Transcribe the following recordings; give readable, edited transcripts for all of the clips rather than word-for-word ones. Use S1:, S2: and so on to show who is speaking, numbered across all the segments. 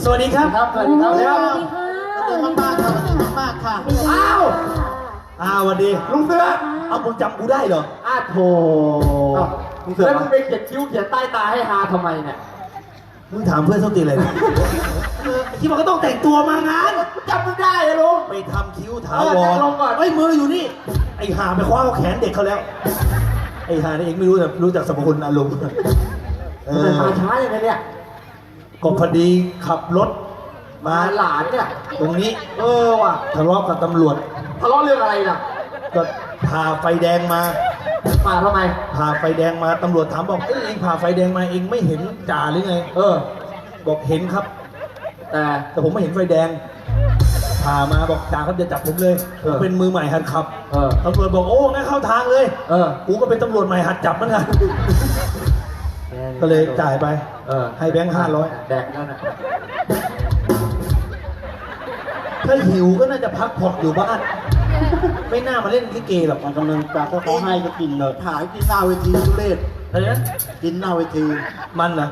S1: สวัสดีครับ
S2: สวัสดีครับ
S3: สวัสดีค่ะ
S2: สวัสดีมากๆค่ะสวัสดีมากๆค่ะ
S1: อ้าวสวัสดีลุงเสือเอามึงจำกูได้เหรอ
S2: โถ
S1: ลุงเสือ
S2: แล้วมึงไปเขียนคิ้วเขียนใต้ตาให้ฮาทำไมเนี่ย
S1: มึงถามเพื่อนส้นตีนอะไรเนี่ยที่มันก็ต้องแต่งตัวมางาน
S2: จำไม่ได้เลยลุง
S1: ไปทำคิ้วถา
S2: เออ
S1: ว
S2: นั่
S1: รง
S2: ลงก่อน
S1: ไอ้ยมืออยู่นี่ไอ้ห่าไปคว้าเอาแขนเด็กเขาแล้วไอ้ห่านี่เองไม่รู้แต่รู้จักสรรพคุณอารมณ์
S2: มันมาช้าอย่างไรเนี่ย
S1: ก็พอดีขับรถมา
S2: มาหลานเนี่ย
S1: ตรงนี้
S2: ว่ะ
S1: ทะเลาะกับตำรวจ
S2: ทะเลาะเรื่องอะไรน่ะ
S1: ก็ผ่าไฟแดงมา
S2: มาทำไม
S1: ผ่าไฟแดงมาตำรวจถามบอกเองผ่าไฟแดงมาเองไม่เห็นจ่าหรือไง บอกเห็นครับ แต่ผมไม่เห็นไฟแดงผ่ามาบอกจ่าครับจะจับผมเลยผมเป็นมือใหม่หัดขับตำรวจบอกโอ้งั้นเข้าทางเลยกูก็เป็นตำรวจใหม่หัดจับเหมือนกันก็เลยจ่ายไปให้แบงค์500
S2: แดกนั่นน่ะ
S1: ถ้าหิวก็น่าจะพักผ่อนอยู่บ้านไม่น่ามาเล่นลิเกหรอก
S4: กำลังจะก็เขาให้ก็กินเลยหายกินหน้าเวทีทุเรศ
S1: อะไรนะ
S4: กินหน้าเวที
S1: มันเหรอ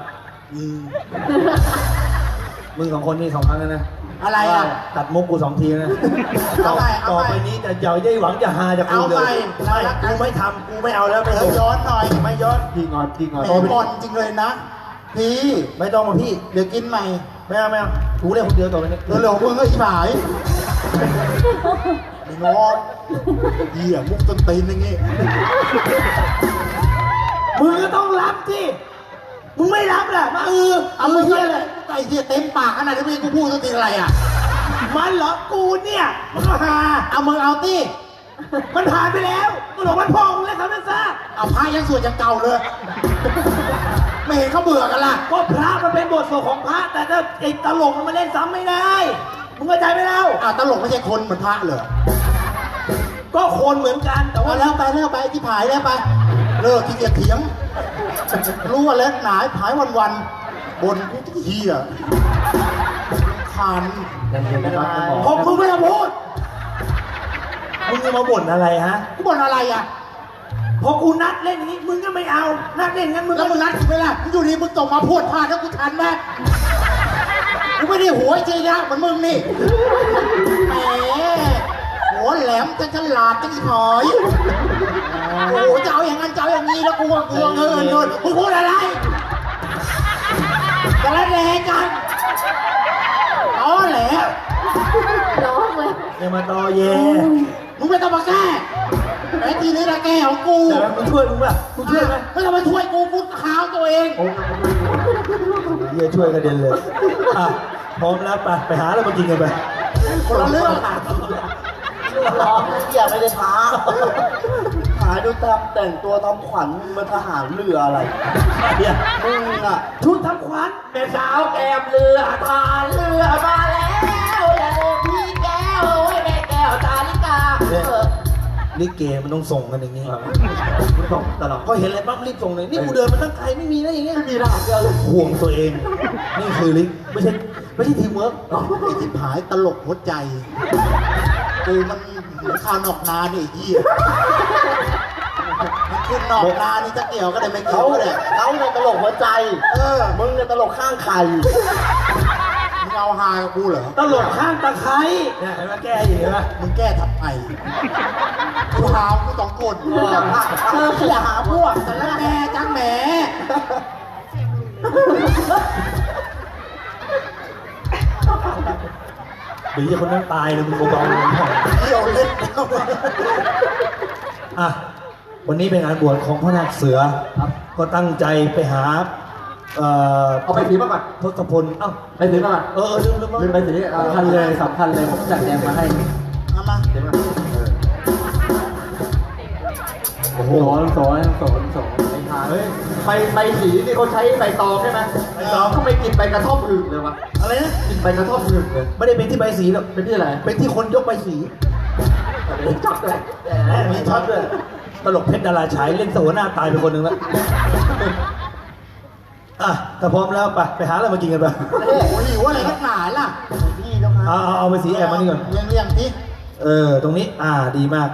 S1: มึงสองคนนี่2 ครั้งแล้วนะ
S4: อะไรอ่ะ
S1: ตัดมุกกู2 ทีนะ
S4: เอาไปเอาไป
S1: ต่อไปนี้จะอย่าได้หวังจะหาจากกูเลย
S4: เอาไป
S1: ไม่กูไม่ทำกูไม่เอาแล้วไม่
S4: เดี๋ยวย้อนหน่อย
S1: ไม่ย้อน
S2: พี่งอนพี่งอน
S4: แหมก่อนจริงเลยนะพี่
S1: ไม่ต้องมาพี่
S4: เดี๋ยวกินใหม่
S1: ไม่เอาไม่เอากูเล่นคนเดียวต่อไปนี้
S4: เร็วๆมึงก็อีหายไอ้งอเหี้ยมุกต้นตีนอย่างงี้
S1: มึงก็ต้องรับสิมึงไม่รับแหละมาเอามึงเฮียเลย
S4: ไอ้เหี้ยเต็มปากขนาดนี้กูพูดต้นตีนอะไรอ่ะ
S1: มันเหรอกูเนี่ยมันก็หา
S4: เอามึงเอาตี้
S1: มันผ่านไปแล้วมึงบอกมันพ่อมึงแล้วเขานั่นซะ
S4: เอาพระยังสวดยังเก่าเลย ไม่เห็นเขาเบื่อกันล่ะ
S1: ก็พระมันเป็นบทสวดของพระแต่ถ้าไอ้ตลกมันมาเล่นซ้ำไม่ได้มึงเข้าใจไหมแล้ว
S4: ตลกไม่ใช่คนเหมือนพระเหรอ
S1: ก็คนเหมือนกันแต่
S4: เอา
S1: ว่า
S4: แล้วไปที่ผายแล้วไปเลิกที่เกียจเถียง รู้ว่าเล็กหนาผายวันบนเฮียคัน
S2: ยังเย็นนะครับคุณหมอ
S1: พอมึงไม่ต้องพูดมึงจะมาบ่นอะไรฮะ
S4: กูบ่นอะไรอ่ะ
S1: พอกูนัดเล่นอย่างนี้มึงก็ไม่เอานัดเล่นงั้นมึง
S4: แล้วมึงนัดกูไปล่ะมึงอยู่ดีมึงตกมาพูดพลาดแล้วกูทันไหมกูไม่ได้หัวจริงนะเหมือนมึงนี่แหมหัวแหลมจะฉลาดจะอีหอยโอ้โหจะเอาอย่างนั้นจะเอาอย่างนี้แล้วกูก็กลัวเงินมึงพูดอะไรจะละแหลกันอ๋อแหละ
S3: ร้องเลย
S1: อย่ามาตอแย
S4: มึงไม่ต้องมาแก้ไอ้ทีนี้ละแก้ของกู
S1: เดี๋ยวมึงช่วยมึงป่ะมึงช่วยไหม
S4: ไม่ต้องมาช่วยกูขาวตัวเอง
S1: เฮียช่วยกระเด็นเลยอ่ะพร้อมแล้วไปหาอะไรมากินกันไป
S4: คนละเรื่อง
S2: ร้องเกี่ยไม่ได้ท้าหาดูตามแต่งตัวทำขวัญมาทหารเรืออะไร
S1: เฮีย
S2: มึงอ่ะ
S1: ชุดทำขวัญ
S2: แม่สาวแก้มเรือทานเรือมาแล้วอย่าลืมพี่แก้วไว้แม่แก้วตาลิกา
S1: ลิเกมันต้องส่งกันอย่างนี้
S2: ส่งตลอด
S1: พอเห็นอะไรปั๊บรีบส่งเลยนี่กูเดินมาตั้งไกลไม่มีนะอย่างเงี้ย
S2: ไม่มีทหารเรือเลย
S1: ห่วงตัวเอง นี่คือลิไม่ใช่ทีมเวิร์ก
S4: ไอ้ที่ผายตลกหัวใจกูมันเหมือนข้าวนอกนาเนี่ยไอ้เหี้ยมันขึ้นนอกนานี่จะเกี่ยวก็ได้ไม่เกี่ยวก็ได้
S2: เขาเนี่ยตลกหัวใจ มึงเนี่ยตลกข้างไข่
S4: มึงเอาฮากับกูเหรอ
S1: ตลกข้างตะไคร้เนี่ยเห็นไหมแก้อยู่เห็นไหม
S4: มึงแก้ทับไอกูหากูต้องกดอย่าหาพวกแต่ละแม่จังแหม
S1: เดี๋ยวจะคนนั้นตายเลยมึงเบาๆเลย
S4: เดี่ยวเล่น
S1: อ่ะวันนี้เป็นงานบวชของพ่อนาคเสือก็ตั้งใจไปหา
S2: เอาไปสีมาก่อน
S1: ทศพลเอ้า
S2: ไปสีมาก่อน
S1: ลืม
S2: ลืมไปสีสำคัญเลยสำคัญเลยผมจัดแจงมาให้
S4: เอามา
S2: เดี๋ยวมาโอ้โหสอนไปทานไปสีนี่เขาใช้ใบตองใช่ไหม
S1: ใบตอง
S2: ทำไมกินใบกระท่อมหึงเลยวะ
S1: อะไรนะ
S2: กินใบกระท่อมหึงเลย
S1: ไม่ได้เป็นที่ใบสีหรอก
S2: เป็นที่อะไร
S1: เป็นที่คนยกใบสี
S2: เป็นจับเลย
S1: มีช็อตด้วยตลกเพชรดาราฉายเล่นสวหน้าตายไปคนหนึ่งแล้วอ่ะถ้าพร้อมแล้วไปหาอะไรมากินกันไป
S4: โอ้โหหิวอะไรนักหนาล่ะพี่เจ้าค่ะ
S1: เอาไปสีแอบมานี่ก่อน
S4: เลี้ยงที่
S1: ตรงนี้ดีมาก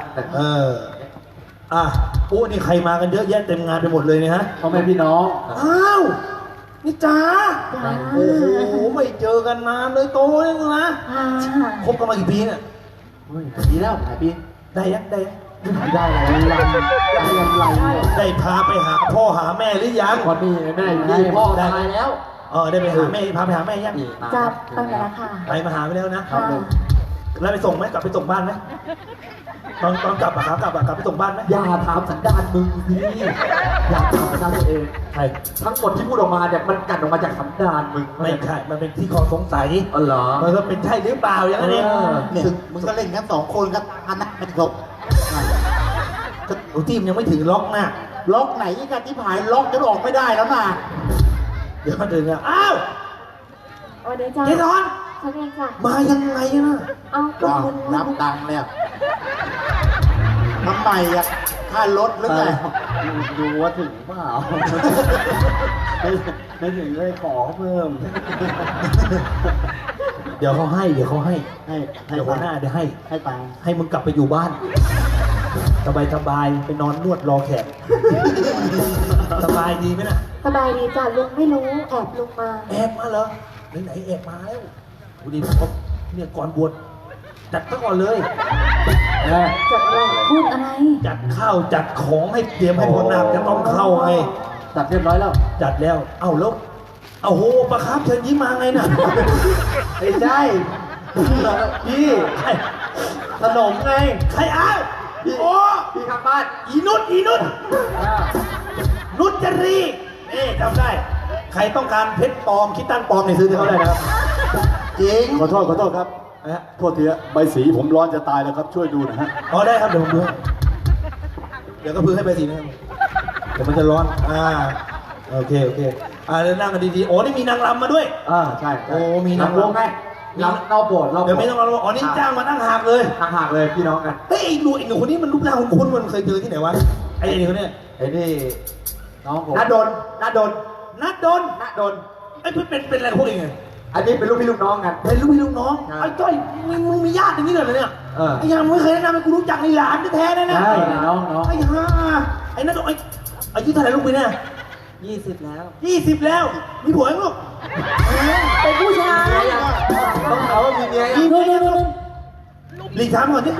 S1: ปุ๊นี่ใครมากันเยอะแยะเต็มงานไปหมดเลยเนี่ยฮะ
S2: เขาเป็นพี่น้อง
S1: อ้าวนี่จ๋าโอ้โหไม่เจอกันนานเลยโตเลยมึงนะ
S3: อ่า
S1: คบกันมากี่ปีเนี่ย
S2: เฮ้ยดีแล้วหายปี
S1: ได้ยังได้ยัง
S2: ได้อะไรได้ยังไร
S1: ได้พาไปหาพ่อหาแม่หรือยัง
S2: พอดีแม่อยู่นี่พ่อตายแล้ว
S1: ได้ไปหาแม่พาไปหาแม่ยัง
S3: จับตั้งแต่ละค่ะ
S1: ไปมาหาไปแล้วนะ
S3: ค่ะ
S1: แล้วไปส่งไหมกลับไปส่งบ้านไหมตอนกลับอะครับกลับไปส่งบ้านไหม
S2: อย่าถามสันดานมึงสิอย่าถามสันดานตัวเอง
S1: ใช่
S2: ทั้งหมดที่พูดออกมาเนี่ยมันกัดออกมาจากสันดานมึง
S1: ไม่ใช่มันเป็นที่คอสงสัย
S2: อ๋อเหรอ
S1: มันก็เป็นใช่หรือเปล่าอย่างนั้นเอง
S4: เนี่ยมึงก็เล่นกัน2 คนก็อันนั้นไม่ครบ
S1: ก็หนูทีมยังไม่ถึงล็อกนะ
S4: ล็อกไหนกันที่ผายล็อกจนออกไม่ได้แล้วนะ
S1: เดี๋ยวมาถึงอ่ะอ้าว
S3: วันนี้จ้า
S1: เจนอน
S3: ฉันเองจ้ะ
S1: มายังไงนะ
S3: เอาก็
S4: อ้าว
S3: คุณ
S4: นับตังค์แล้วทำไมอะค่ารถหรือไง
S2: ดูว่าถึงเปล่าไม่ถึงเลยขอเพิ่ม
S1: เดี๋ยวเขาให้เดี๋ยวเขาให้
S4: ให้
S1: เดี๋ยวหัวหน้าเดี๋ยวให้
S4: ให้ตังค์
S1: ให้มึงกลับไปอยู่บ้าน สบายไปนอนนวดรอแขก สบายดีไหมน่ะ
S3: สบายดีจ้ะลุงไม่รู้แอบลุงมา
S1: แอบมาเหรอไหนๆแอบมาแล้วดูดิผมเนี่ยก่อนบวชจัดซะก่อนเลย
S3: จัดอะไรพูดอะไร
S1: จัดข้าวจัดของให้เตรียมให้พ่อนาคจะต้องเข้าไง
S2: จัดเรียบร้อยแล้ว
S1: จัดแล้ว เอ้าแล้วเอาโหประครับเชิญยิ้มมาไงน่ะ
S2: ไม่ใช่พี่
S1: ใคร
S2: ขนมไง
S1: ใครอ้าวโอ้
S2: พี่ข้างบ้าน
S1: อีนุชนุชจรีจำได้ ใครต้องการเพชรปลอมคิดตั้งปลอมเนี่ยซื้อที่เขาได้นะครับ
S4: จริง
S5: ขอโทษครับ
S1: นะฮะ
S5: โทษทีฮะใบสีผมร้อนจะตายแล้วครับ ช่วยดูหนะฮะ
S1: อ๋อได้ครับเดี๋ยวผมดูให้เดี๋ยวก็พื้นให้ไปสีนะครับเดี๋ยวมันจะร้อนโอเคเดี๋ยวนั่งกันดีๆโอ้นี่มีนางรำมาด้วย
S2: ใช่
S1: โอ้มีนาง
S2: วงไงรำเราโบสถ์เรา
S1: เดี๋ยวไม่ต้องรำอ๋อนี่จ้างมาตั้งหากเลย
S2: ห่างๆเลยพี่น้องกัน
S1: เฮ้ยไอ้หนูคนนี้มันรูปร่างคุ้นๆมันเคยเจอที่ไหนวะไอ้คนเนี้ย
S2: ไอ้นี่น้องผม
S1: นัดโดน
S2: นัดโดน
S1: ไอ้เพื่อนเป็นอะไรพวกเองไง
S2: อันนี้เป็นลูกพี่ลูกน้องกัน
S1: เป็นลูกพี่ลูกน้อง
S2: ใช่
S1: ไอ้จ้อยมึงมีญาติอย่างนี้เลยเหรอเนี่ย
S2: เออ
S1: ไอ้ยังไม่เคยแนะนำให้กูรู้จักในหลานแท้ๆนะเนี่ย
S2: ใช่น้อง
S1: ไอ้ห่าไอ้นั่นไอ้อายุเท่าไหร่ลูกปีเนี่ย
S2: 20แล้ว
S1: 20แล้วมีผัวยังลูก
S3: เป็นผู้ชาย
S2: ต้องเขาว่ามีเมีย
S1: มี
S2: ยัง
S1: เมียยังลูกหลีกถามก่อนดิ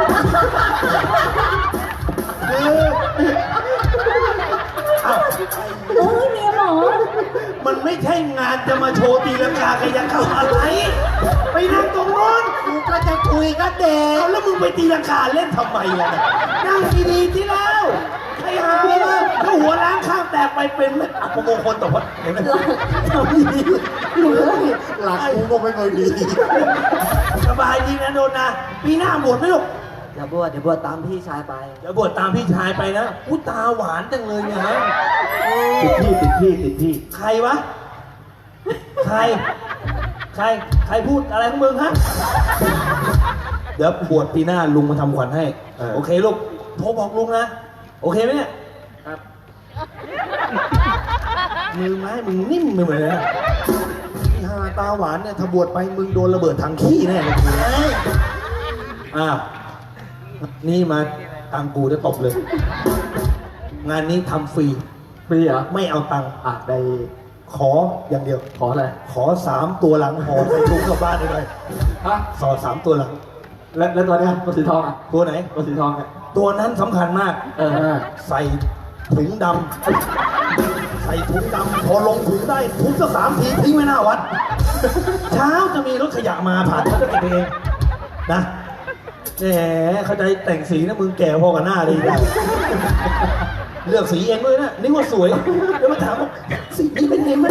S1: อ้าว
S3: โอ้ยเมียหมอ
S1: มันไม่ใช่งานจะมาโชว์ตีลังกากายเข้าอะไร ไปนั่งตรงโน้น
S4: กูก็จะคุยกับเด็ก
S1: เอาแล้วมึงไปตีลังกาเล่นทำไมล่ะนั่งดีๆที่แล้วไอ้ห่าถ้าหัวล้างข้างแตกไปเป็นไม่อัปมงคลต่อวัดเห็นไหมทำดี
S4: หลักกูก็ไม่เคยดี
S1: สบายดีนะโดนนะปีหน้าบวชไหมลูก
S2: เดี๋ยวบวชตามพี่ชายไป
S1: เดี๋ยวบวชตามพี่ชายไปนะอุ้ตาหวานจังเลยเนี่ยฮะ
S2: ติดพี่
S1: ใครวะ ใครพูดอะไรของมึงฮะ เดี๋ยวบวชปีหน้าลุงมาทำขวัญให้ โอเคลูก โทรบอกลุงนะ โอเคไหมเนี่ย
S2: ครับ
S1: มือไม้มึงนิ่มไปหมดเลยนะที่ฮาตาหวานเนี่ยถ้าบวชไปมึงโดนระเบิดถังขี้แน่เลยอ้าวนี่มาตังกูจะตบเลย งานนี้ทำฟรี
S2: ฟรีเหรอ
S1: ไม่เอาตังค์
S2: ได้
S1: ขออย่างเดียว
S2: ขออะไร
S1: ขอ3 ตัวหลังห่อใส่ถุงกลับบ้านได้เลย
S2: ฮะ
S1: สอด3 ตัวหลัง
S2: แล้วตัวเนี้ยตัวสีทองอ่ะ
S1: ตัวไหน
S2: ตัวสีทองอ่ะ
S1: ตัวนั้นสำคัญมาก ใส่ถุงดำใส่ถุงดำพอลงถุงได้ทุบสัก3 ทีทิ้งไว้หน้าวัด เช้าจะมีรถขยะมาผ่านเขาจะเก็บไปเองนะแหมเขาจะแต่งสีนะมึงแก่พอกับหน้าเลยนะเลือกสีเองด้วยนะนี่ว่าสวยเดี๋ยวมาถามว่าสีนี้เป็นไงมัน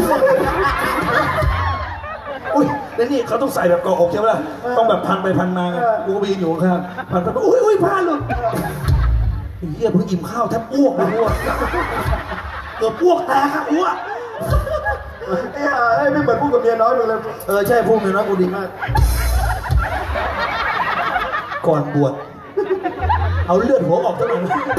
S1: อุ้ยแล้วนี่เขาต้องใส่แบบเกาะอกใช่ไหมล่ะต้องแบบพันไปพันมาไงกูก็ไปยืนอยู่ข้างๆพันไปอุ้ยผ้าหลุดไอ้เหี้ยเพิ่งอิ่มข้าวแทบอ้วกเลยอ้วกเกือบอ้วกแตกอะอ้วก
S5: ไม่เหมือนพูดกับเมียน้อยมึงเลย
S1: ใช่พูดเลยนะกูดีมาก ก่อนบวชเอาเลือดหัวออกทั้งหมด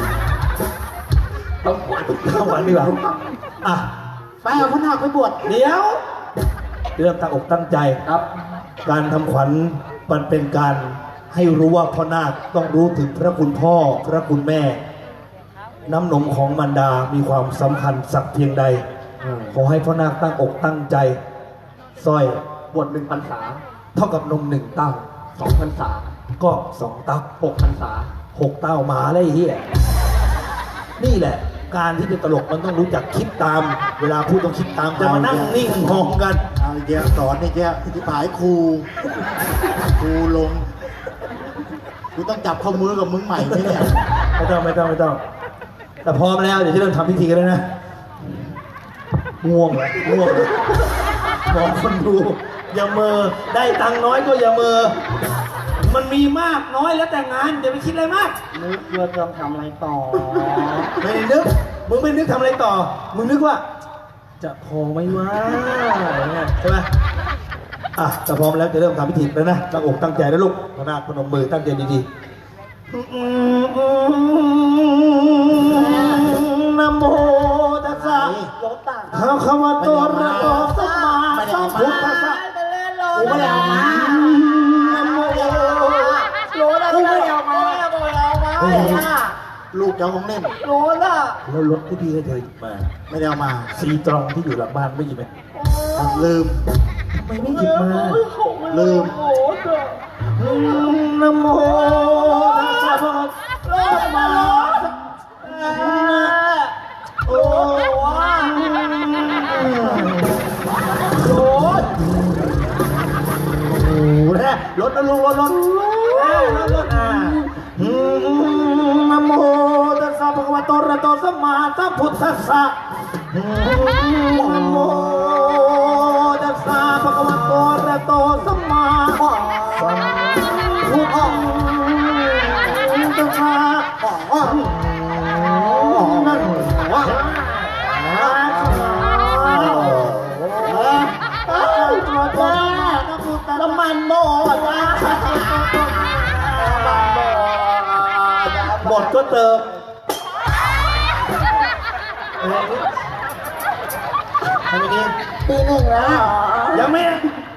S1: ต้องหวานดีกว่าอ่ะ
S4: ไปเอาพระนาคไปบวช
S1: เดี๋ยวเริ่มตั้งอกตั้งใจครับ การทำขวัญมันเป็นการให้รู้ว่าพ่อนาคต้องรู้ถึงพระคุณพ่อพระคุณแม่ น้ำนมของมารดามีความสำคัญสักเพียงใดขอให้พ่อนาคตั้งอกตั้งใจสร้อย
S2: บวช1 พรรษา
S1: เท่ากับนมหนึ่งเต้า
S2: 2 พรรษา
S1: ก็สองเต้า
S2: 6 พรรษา
S1: 6 เต้าหมาเลยไอ้เฮียนี่แหละ การที่เป็นตลกมันต้องรู้จักคิดตาม เวลาพูดต้องคิดตามจะมานั่งนิ่งมองกัน
S4: เอาอีกแล้วสอนอีกแล้วที่ผายครูลงกูต้องจับข้อมือกับมึงใหม่ไหมเนี่ย
S1: ไม่ต้อง แต่พร้อมแล้วเดี๋ยวจะเริ่มทำพิธีกันแล้วนะง่วงเลยบอกคนดูอย่าเมอได้ตังค์น้อยก็อย่าเมอมันมีมากน้อยแล้วแต่งานอย่าไปคิดอะไรมาก
S2: นึกว่าจะทำอะไรต่อ
S1: ไม่ได้นึกมึงไม่นึกทำอะไรต่อ มึงนึกว่า จะพอไหมวะใช่ไหมอ่ะแต่พร้อมแล้วจะเริ่มทำพิธีแล้วนะตั้งอกตั้งใจนะลูกพระนาคพนมมือตั้งใจดีๆนะโมตัสสะ
S2: รถต่าง
S1: ภะคะวะโตอะระหะโตสัมมาสัมพุทธัสสะ
S4: กูไม่ได้เอามา
S1: นะโม
S2: รถอะไรไม่เอามา
S4: ลูกเจ้าของเล่น
S2: รถอ่ะ
S1: แล้วรถที่พี่ให้เธอหยิบมา
S4: ไม่ได้เอามา
S1: ซีตรองที่อยู่หลังบ้านไม่หยิบไหม
S4: ลืม
S1: ทำไมไม่หยิบมา
S4: ลืม
S1: นะโมตัสสะภะคะวะโตสัมมาโอ้โหรถนะลุงรถนะโมตัสสะภะคะวะโตอะระหะโตสัมมาสัมพุทธัสสะนะโมตัสสะภะคะวะโตอะระหะโตสัมมาสัมพุทธัสสะนั่นวะน้ำมันหมดหมดก็เติมทำไมดี
S2: ปีหนึ่งแล้ว
S1: ยังไม่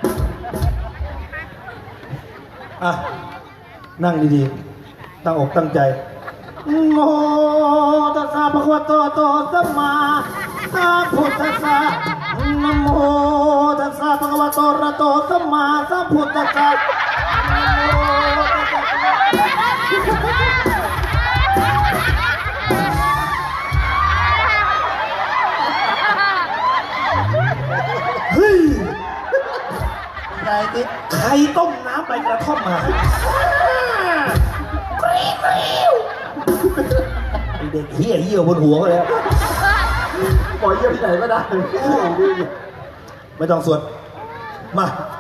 S1: อ่ะนั่งดีๆตั้งอกตั้งใจโมตัสสะภะคะวะโตอะระหะโตสัมมาสัมพุทธัสสะนะโมตัสสะภะคะวะโตอะระหะโตสัมมาสัมพุทธัสสะเฮ้ย
S4: ไงติ๊ก
S1: ใครต้มน้ำใบกระท่อมมาไอเด็กเหี้ยเหี้ยวบนหัวก็แล้ว
S2: ปล่อยเยี่ยมที่ไหนก็ได้
S1: ไม่ต้องสวด มา